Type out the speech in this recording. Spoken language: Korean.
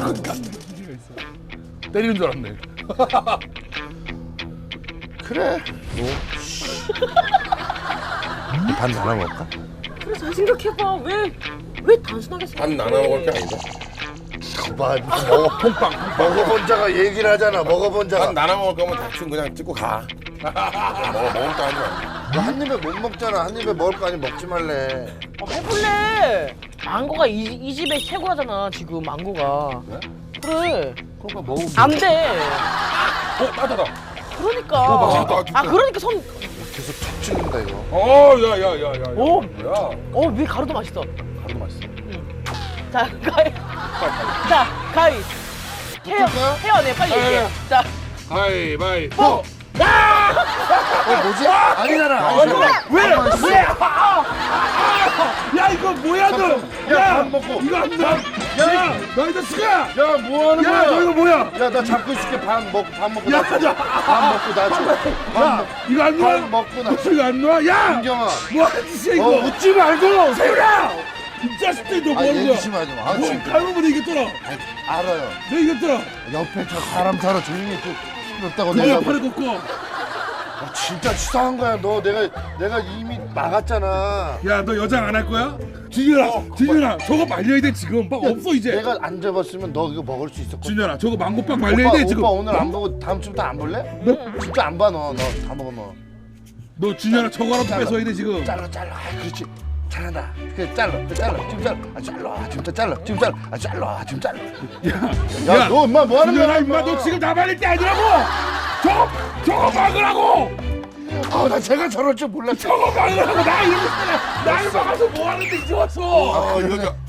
때리는 줄 알았네. 그래. 반 나눠 먹을까? 그래 잘 생각해봐. 왜 단순하게 생각해? 반 나눠 먹을 게 아니다. 봐, 먹어. 먹어본 자가 얘기를 하잖아. 먹어본 자가. 반 나눠 먹을 거면 대충 그냥 찍고 가. 먹을 거 하지 마. 너 한 입에 못 먹잖아. 한 입에 먹을 거 아니 먹지 말래. 해볼래. 망고가 이 집의 최고라잖아 지금 망고가. 그래. 그러니까 먹으면. 안 돼. 따다다. 그러니까. 맛있다, 진짜. 그러니까 손. 계속 툭 찌른다 이거. 야야야야야. 오. 뭐야? 왜 가루도 맛있어. 가루도 맛있어. 자 가위. 자 가위. 헤어 내 빨리 얘기해. 자. 가위바위보. 뭐지? 아니잖아. 왜? 야 이거 뭐야 너? 야, 밥 먹고. 이거 안 돼. 야, 너 이 자식아! 야, 뭐 하는 야, 너 거야? 이거 뭐야? 야, 나 잡고 있을게. 밥 먹고 야, 나 줘. 밥 먹고 나 줘. 야, 이거 안 놔? 밥 먹고 나 줘. 이거 안 놔? 야! 김경아. 뭐 하는 짓이야 이거? 웃지 말고. 세윤아! 이 자식들 너 뭐 하는 거야? 얘기심하지 마. 뭐 지금. 칼부분에 이겼더라. 알아요. 너 이겼더라. 옆에 저 사람 살아 조용히 좀 시끄럽다고 누가 내가. 팔을 걷고. 진짜 치사한 거야. 너 내가 이미 막았잖아. 야, 너 여장 안 할 거야? 진현아, 저거 말려야 돼 지금. 막 없어 이제. 내가 안 잡았으면 너 이거 먹을 수 있었거든. 진현아, 저거 망고빵 말려야 돼 지금. 오빠 오늘 안 보고 다음 주부터 안 볼래? 진짜 안 봐 너. 너 다 먹어 너. 너 진현아 저거라도 잘라. 뺏어야 돼 지금. 잘라. 아, 그렇지. 잘한다. 그래 잘라. 지금 잘라. 아 잘라. 지금 잘라. 지금 잘라. 아 잘라. 지금 잘라. 야, 너 엄마 뭐 하는 진현아, 거야? 임마 너 지금 나 말릴 때 아니라고. 저거 막으라고. 나 제가 저럴 줄 몰랐어. 저거 막으라고. 나 이러고 있잖아. 날 막아서 뭐 하는데 이제 왔어. 여기